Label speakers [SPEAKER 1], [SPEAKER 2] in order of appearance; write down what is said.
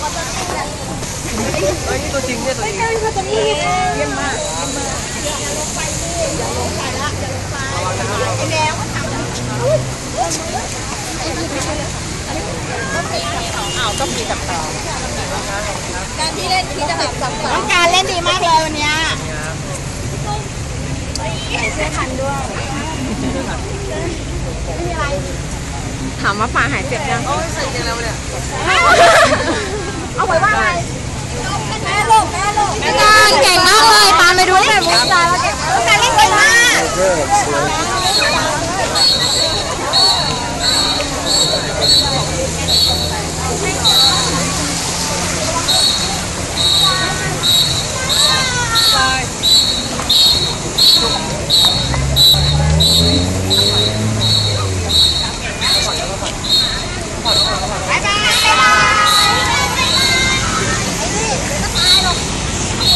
[SPEAKER 1] เฮ้ยนี่ตัวจริงเนี่ยตัวจริงเยี่ยมมากอย่าลงไปอย่าลงไปละอย่าลงไปไอ้แมวต้องมีกับต่อการที่เล่นที่จะแบบต้องการเล่นดีมากเลยวันนี้ใส่เสื้อคันด้วยไม่มีอะไรถามว่าป่าหายเจ็บยังโอ้ยใส่ยังแล้วเนี่ยเอาไว้ว่าอะไรแม่ลูกแม่การเก่งมากเลยตามไปดูแบบมุ้งตาแล้วเก่งมาก